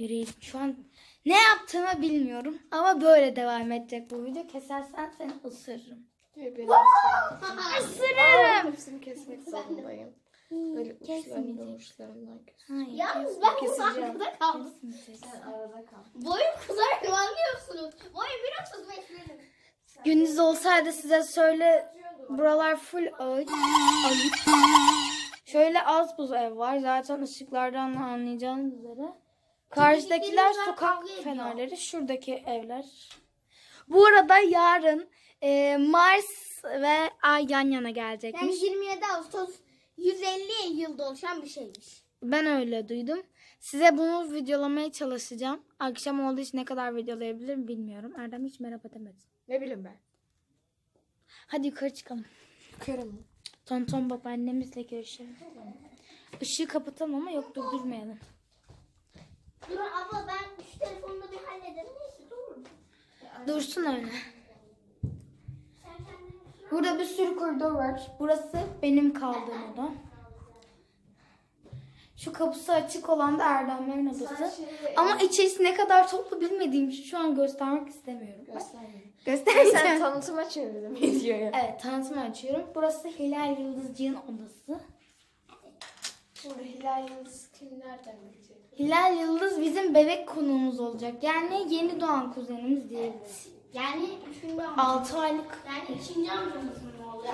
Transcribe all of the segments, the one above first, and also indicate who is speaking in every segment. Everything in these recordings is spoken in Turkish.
Speaker 1: çevireyim. Şu an ne yaptığımı bilmiyorum. Ama böyle devam edecek bu video. Kesersen seni ısırırım. Isırırım.
Speaker 2: Hepsini kesmek zorundayım. Böyle uçlarından
Speaker 1: Hayır.
Speaker 3: Yalnız ben burada
Speaker 2: Keseceğim.
Speaker 3: arkada kaldım.
Speaker 2: Sen arada kal.
Speaker 3: Boyum kızarak anlıyorsunuz. Boyum 1.35 benim.
Speaker 1: Gündüz olsaydı size söyle, buralar full ağaç. Şöyle az buz ev var. Zaten ışıklardan anlayacağınız üzere. Karşıdakiler
Speaker 3: Bizimkiler
Speaker 1: sokak
Speaker 3: kavga ediyor.
Speaker 1: fenerleri. Şuradaki evler. Bu arada yarın Mars ve Ay yan yana
Speaker 3: Yani
Speaker 1: gelecekmiş.
Speaker 3: 27 Ağustos 150 yılda oluşan bir şeymiş.
Speaker 1: Ben öyle duydum. Size bunu videolamaya çalışacağım. Akşam olduğu için ne kadar videolayabilirim bilmiyorum. Erdem hiç merhaba demedi.
Speaker 2: Ne bileyim ben.
Speaker 1: Hadi yukarı çıkalım.
Speaker 2: Kırım.
Speaker 1: Tonton babaannemizle görüşelim. Işığı kapatalım ama yok durdurmayalım.
Speaker 3: Dur abla ben şu telefonunu bir hallederim. Neyse dur.
Speaker 1: Dursun öyle.
Speaker 3: Sen kendin
Speaker 1: Burada bir sürü koridor var. Burası benim kaldığım oda. Şu kapısı açık olan da Erdemlerin odası. Ama içerisi ne kadar toplu bilmediğim için şu an göstermek istemiyorum.
Speaker 2: Göstermiyorum. Sen
Speaker 1: Göstereceğim.
Speaker 2: tanıtıma çevirdim videoyu.
Speaker 1: Evet, tanıtımı açıyorum. Burası Hilal Yıldızcı'nın odası.
Speaker 2: Şimdi Hilal Yıldız kim nereden bilecek?
Speaker 1: Hilal Yıldız bizim bebek konuğumuz olacak. Yani yeni doğan kuzenimiz diyebiliriz.
Speaker 3: yani 3.
Speaker 1: 6 aylık.
Speaker 3: Yani 2. amcamız mı oluyor?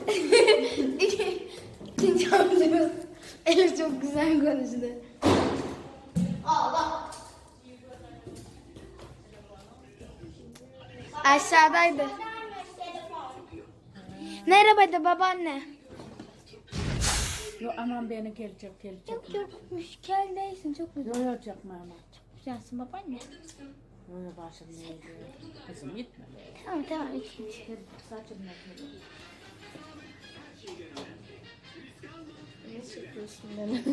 Speaker 1: İkinci amcamız. Elif çok güzel konuştu.
Speaker 3: Allah.
Speaker 1: Aşağıdaydı. Merhaba de babaanne.
Speaker 4: Yok aman beni gelecek.
Speaker 1: Yok müşkel değilsin, çok güzel.
Speaker 4: Yok yok yapma ama.
Speaker 1: Güzelsin babaanne.
Speaker 4: Öyle başım ne diyor. Kızım gitme.
Speaker 1: Tamam ikinci.
Speaker 4: Saçım ne diyor.
Speaker 2: Ne çekiyorsun beni?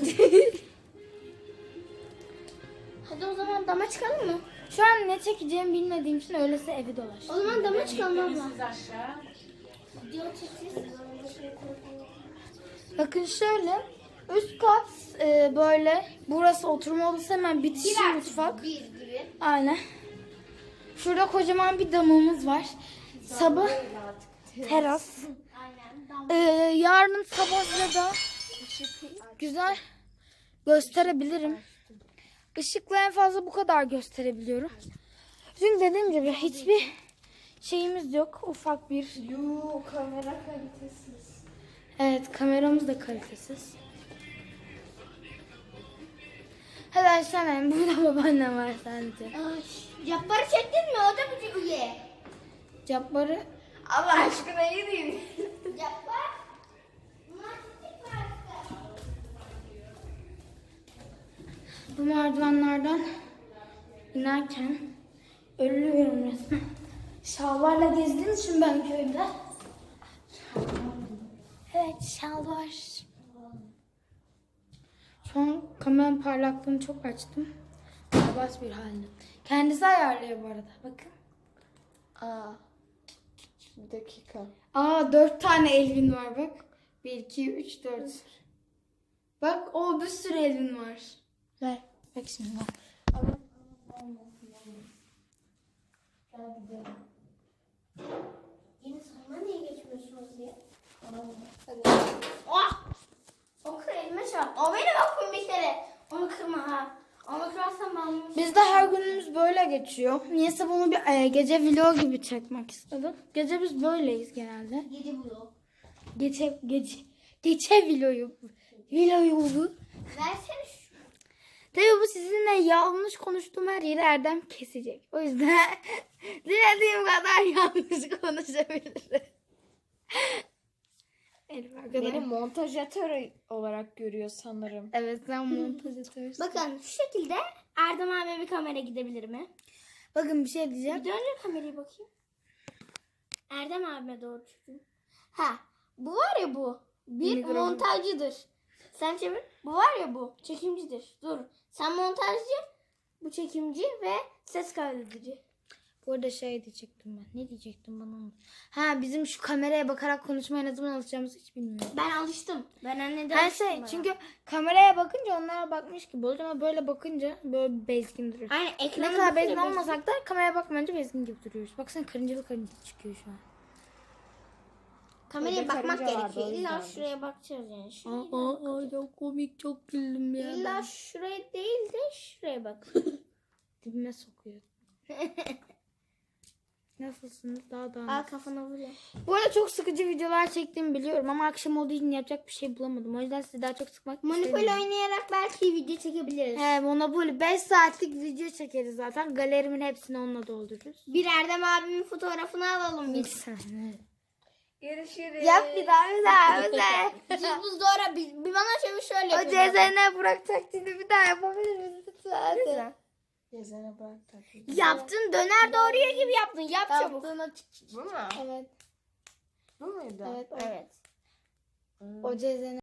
Speaker 3: Hadi o zaman dama çıkalım mı?
Speaker 1: Şu an ne çekeceğimi bilmediğim için öylese evi dolaş.
Speaker 3: O zaman dama çıkalım abla.
Speaker 4: Siz aşağı.
Speaker 3: Video çekeceğiz.
Speaker 1: Bakın şöyle. Üst kat böyle. Burası oturma odası, hemen bitişi mutfak.
Speaker 3: Bir gibi.
Speaker 1: Aynen. Şurada kocaman bir damımız var. Sabah teras.
Speaker 3: Aynen. Dam.
Speaker 1: Yarın sabah size daha güzel gösterebilirim. Işıkla en fazla bu kadar gösterebiliyorum. Çünkü dediğim gibi hiçbir şeyimiz yok. Ufak bir.
Speaker 2: Yoo kamera kalitesiz.
Speaker 1: Evet, kameramız da kalitesiz. Hadi aşağıya. Burada babaannem var sadece.
Speaker 3: Cabbar'ı çektin mi? O da bir üye.
Speaker 1: Cabbarı
Speaker 2: Allah aşkına yürüyün.
Speaker 3: Cabbar. Bunlar çektik mi artık?
Speaker 1: bu merdivenlerden inerken ölüyorum resmen. Şalvarla gezdiğim için ben köyde. Evet, şalvar. Şu an kameranın parlaklığını çok açtım. Berbat bir halde. Kendisi ayarlıyor bu arada. Bakın.
Speaker 2: Aa. Bir dakika.
Speaker 1: 4 tane Elvin var bak. 1, 2, 3, 4. Bak bir sürü Elvin var. Ver. Bak şimdi bak.
Speaker 3: Yine sonra niye geçmiyorsunuz diye. Oh! O kır elime çarptı. O benim okum bir kere. Onu kırma ha. Onu kırarsan ben bunu...
Speaker 1: Bizde her günümüz böyle geçiyor. Niyeyse bunu bir gece vlog gibi çekmek istedim. Gece biz böyleyiz genelde.
Speaker 3: Gece bu yok.
Speaker 1: Gece vlogu. Vlogu.
Speaker 3: Versene şu.
Speaker 1: Tabii bu sizinle yanlış konuştuğum her yeri Erdem kesecek. O yüzden dilediğim kadar yanlış konuşabilirim. Elif arkadaşlar.
Speaker 2: Beni montajatör olarak görüyor sanırım.
Speaker 1: Evet, sen montajatörüsün.
Speaker 3: Bakın şu şekilde Erdem abi bir kamera gidebilir mi?
Speaker 1: Bakın bir şey diyeceğim.
Speaker 3: Bir döndür kamerayı bakayım. Erdem abime doğru çocuğum. Ha, bu var ya bu. Bir
Speaker 1: Mikrofon.
Speaker 3: montajcıdır. Sen çevir. Bu var ya bu. Çekimcidir. Dur. Sen montajcı, bu çekimci ve ses kaydedici.
Speaker 1: Bu arada şey diyecektim ben. Ne diyecektim bana onu? Ha, bizim şu kameraya bakarak konuşmaya ne zaman alışacağımızı hiç bilmiyorum.
Speaker 3: Ben alıştım. Ben anneden
Speaker 1: Her
Speaker 3: alıştım.
Speaker 1: şey
Speaker 3: bayağı.
Speaker 1: çünkü kameraya bakınca onlara bakmış gibi oluyor ama böyle bakınca böyle bezgin duruyor.
Speaker 3: Aynen
Speaker 1: Ne
Speaker 3: ekranı
Speaker 1: kadar
Speaker 3: bakınca
Speaker 1: bezgin olmasak da kameraya bakmayınca bezgin gibi duruyoruz. Baksana karıncalı çıkıyor şu an.
Speaker 3: kameraya
Speaker 4: Evde
Speaker 3: bakmak
Speaker 4: karınca vardı,
Speaker 3: gerekiyor.
Speaker 4: o
Speaker 3: İlla
Speaker 4: yüzdendir.
Speaker 3: şuraya bakacağız yani. Şuraya
Speaker 1: Çok komik, çok güldüm ya.
Speaker 3: İlla şuraya değil de şuraya bak.
Speaker 1: Dibime sokuyor. Nasılsınız? Daha.
Speaker 3: Al kafana vuruyor.
Speaker 1: Bu arada çok sıkıcı videolar çektiğimi biliyorum ama akşam olduğu için yapacak bir şey bulamadım. O yüzden sizi daha çok sıkmak
Speaker 3: Monopoly
Speaker 1: istemiyorum.
Speaker 3: oynayarak belki video çekebiliriz.
Speaker 1: He, Monopoly 5 saatlik video çekeriz zaten. Galerimin hepsini onunla doldururuz.
Speaker 3: Bir Erdem abimin fotoğrafını alalım
Speaker 1: Bir
Speaker 3: biz.
Speaker 1: saniye.
Speaker 2: Görüşürüz.
Speaker 1: Yap bir daha.
Speaker 3: Biz doğru bir bana şöyle
Speaker 1: O
Speaker 3: yapıyoruz.
Speaker 1: CZN Burak taklidi bir daha yapabilir misin lütfen?
Speaker 2: Gezene bırak tatlıyı.
Speaker 3: Yaptın döner doğruya gibi yaptın. Yap çabuk.
Speaker 2: Bu mu?
Speaker 1: Evet.
Speaker 2: Bu muydu?
Speaker 1: Evet.
Speaker 3: Evet.
Speaker 1: O CZN